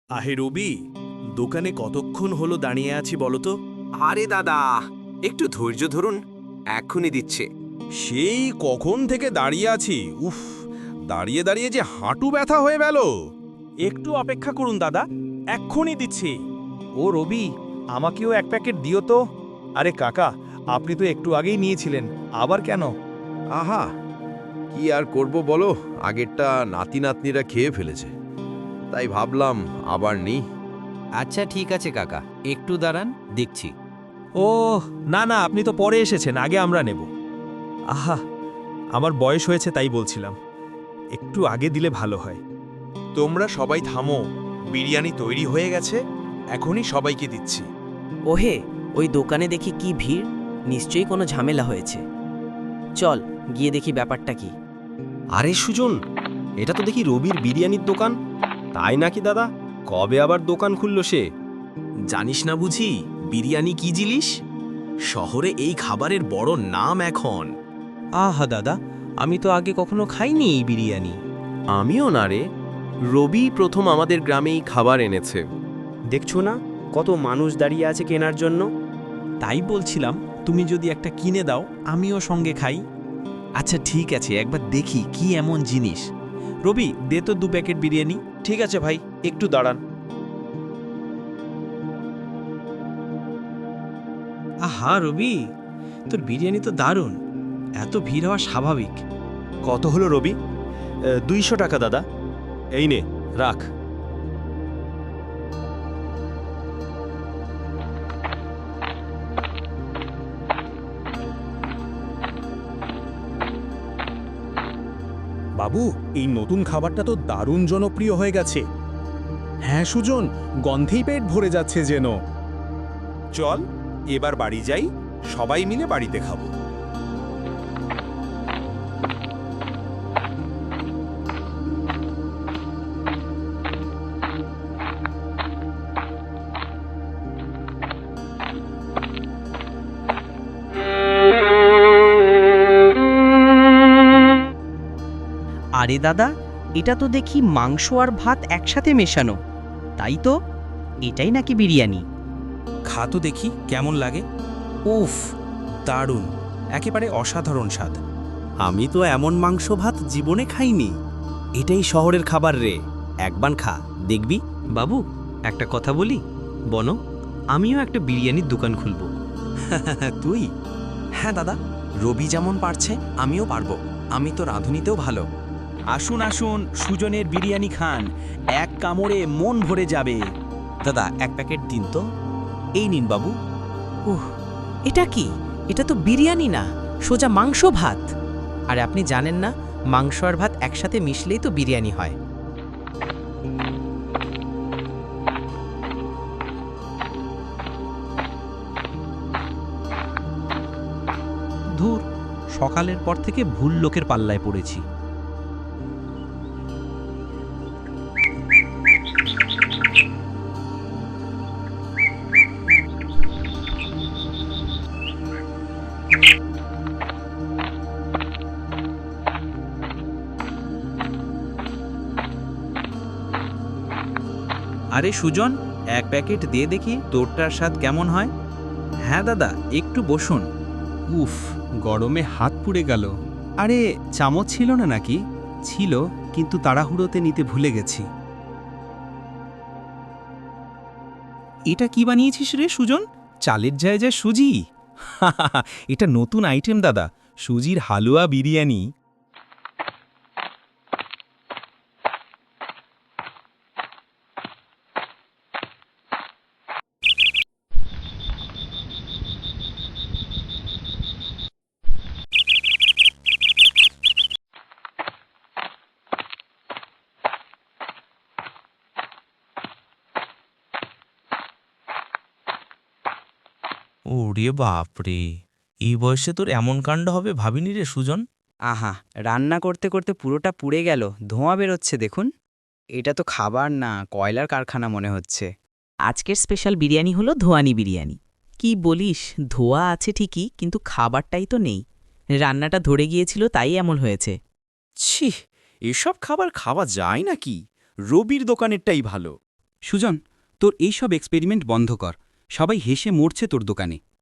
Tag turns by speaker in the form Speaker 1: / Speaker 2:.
Speaker 1: আহে রবি, দোকানে কতক্ষণ হলো দাঁড়িয়ে আছি বলো তো?
Speaker 2: আরে দাদা, একটু ধৈর্য ধরুন, এক্ষুনি দিচ্ছে।
Speaker 3: সেই কখন থেকে দাঁড়িয়ে আছি। উফ, দাঁড়িয়ে দাঁড়িয়ে যে হাঁটু ব্যথা হয়ে গেল।
Speaker 1: একটু অপেক্ষা করুন দাদা, এক্ষুনি দিচ্ছি। ও রবি, আমাকেও এক প্যাকেট দিও তো। আরে কাকা, আপনি তো একটু আগেই নিয়েছিলেন, আবার কেন?
Speaker 4: আহা, কি আর করব বলো, আগেরটা নাতি নাতনিরা খেয়ে ফেলেছে, তাই ভাবলাম আবার নিই।
Speaker 2: আচ্ছা ঠিক আছে কাকা, একটু দাঁড়ান, দেখছি।
Speaker 1: ও না না, আপনি তো পরে এসেছেন, আগে আমরা নেব। আহা, আমার বয়স হয়েছে তাই বলছিলাম, একটু আগে দিলে ভালো হয়।
Speaker 3: তোমরা সবাই থামো, বিরিয়ানি তৈরি হয়ে গেছে, এখনই সবাইকে দিচ্ছি।
Speaker 5: ওহে, ওই দোকানে দেখি কি ভিড়, নিশ্চয়ই কোনো ঝামেলা হয়েছে। চল গিয়ে দেখি ব্যাপারটা কি।
Speaker 6: আরে সুজন, এটা তো দেখি রবির বিরিয়ানির দোকান। তাই নাকি দাদা? কবে আবার দোকান খুলল সে?
Speaker 7: জানিস না বুঝি বিরিয়ানি কি জিনিস? শহরে এই খাবারের বড় নাম এখন।
Speaker 5: আহা দাদা, আমি তো আগে কখনো খাইনি এই বিরিয়ানি।
Speaker 6: আমিও না রে, রবি প্রথম আমাদের গ্রামেই খাবার এনেছে।
Speaker 5: দেখছো না কত মানুষ দাঁড়িয়ে আছে কেনার জন্য?
Speaker 7: তাই বলছিলাম, তুমি যদি একটা কিনে দাও আমিও সঙ্গে খাই। আচ্ছা ঠিক আছে, একবার দেখি কি এমন জিনিস। রবি, দে তো 2 প্যাকেট বিরিয়ানি।
Speaker 1: ঠিক আছে ভাই, একটু দাঁড়ান।
Speaker 5: আহা রবি, তোর বিরিয়ানি তো দারুণ, এত ভিড় হওয়া স্বাভাবিক।
Speaker 1: কত হলো রবি? 200 টাকা দাদা। এই নে, রাখ।
Speaker 8: বাবু, এই নতুন খাবারটা তো দারুণ জনপ্রিয় হয়ে গেছে। হ্যাঁ সুজন, গন্ধেই পেট ভরে যাচ্ছে যেন।
Speaker 3: চল এবার বাড়ি যাই, সবাই মিলে বাড়িতে খাবো।
Speaker 5: আরে দাদা, এটা তো দেখি মাংস আর ভাত একসাথে মেশানো। তাই তো, এটাই নাকি বিরিয়ানি?
Speaker 7: খা তো দেখি কেমন লাগে। উফ, দারুণ, একেবারে অসাধারণ স্বাদ।
Speaker 6: আমি তো এমন মাংস ভাত জীবনে খাইনি। এটাই শহরের খাবার রে, একবার খা দেখবি।
Speaker 5: বাবু, একটা কথা বলি, বনো, আমিও একটা বিরিয়ানির দোকান খুলব।
Speaker 7: তুই? হ্যাঁ দাদা, রবি যেমন পারছে আমিও পারবো। আমি তো রাঁধুনিতেও ভালো। আসুন আসুন, সুজনের বিরিয়ানি খান, এক কামড়ে মন ভরে যাবে। দাদা, 1 প্যাকেট দিন তো। এই নিন বাবু।
Speaker 5: এটা কি? এটা তো বিরিয়ানি না, সোজা মাংস ভাত। আর আপনি জানেন না, মাংস আর ভাত একসাথে মিশলেই তো বিরিয়ানি হয়।
Speaker 7: ধুর, সকালের পর থেকে ভুল লোকের পাল্লায় পড়েছি। আরে সুজন, 1 প্যাকেট দিয়ে দেখি তোরটার স্বাদ কেমন হয়। হ্যাঁ দাদা, একটু বসুন। উফ, গরমে হাত পুড়ে গেল। আরে চামচ ছিল না নাকি? ছিল, কিন্তু তাড়াহুড়োতে নিতে ভুলে গেছি। এটা কি বানিয়েছিস রে সুজন? চালের জায়গায় সুজি? এটা নতুন আইটেম দাদা, সুজির হালুয়া বিরিয়ানি। ওরে বাপরে, এই বয়সে তোর এমন কাণ্ড হবে ভাবিনি রে সুজন।
Speaker 5: আহা, রান্না করতে করতে পুরোটা পুড়ে গেল, ধোঁয়া বেরোচ্ছে দেখুন। এটা তো খাবার না, কয়লার কারখানা মনে হচ্ছে। আজকের স্পেশাল বিরিয়ানি হলো ধোঁয়ানি বিরিয়ানি। কি বলিস, ধোঁয়া আছে ঠিকই, কিন্তু খাবারটাই তো নেই। রান্নাটা ধরে গিয়েছিল, তাই এমন হয়েছে।
Speaker 6: ছি, এসব খাবার খাওয়া যায় নাকি? রবির দোকানেরটাই ভালো।
Speaker 7: সুজন তোর এইসব এক্সপেরিমেন্ট বন্ধ কর, সবাই হেসে মরছে তোর দোকানে।